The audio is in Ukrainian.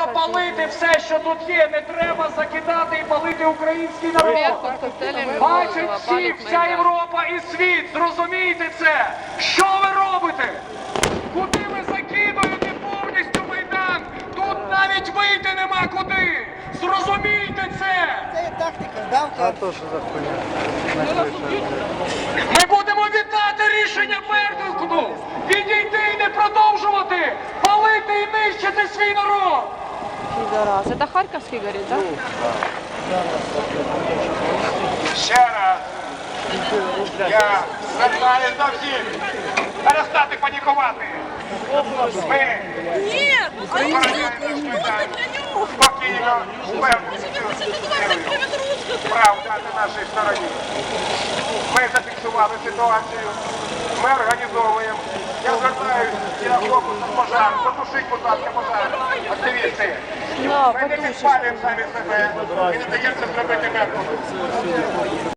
Треба палити все, що тут є. Не треба закидати і палити український народ. Бачить всі, вся Європа і світ. Зрозумійте це. Що ви робите? Куди ви закидуєте повністю Майдан? Тут навіть вийти нема куди. Зрозумійте це. Це є тактика, давка. Ми будемо вітати рішення Беркуту. Відійти і не продовжувати. Палити і нищити свій народ. Пидорас. Это Харьковский горит, да? Ще раз я звертаюся до всіх перестати панікувати. Ми Нет, они забороняємо что Майдан для него? спокійно, впевнено. Правда на нашій стороні. Ми зафіксували ситуацію, ми організовуємо. Я звертаюся і на фокус пожар. Потушіть, будь ласка, пожар. Активісти. Да, Ми не потушишь. підпалюємо самі себе і не даємо це зробити Беркуту.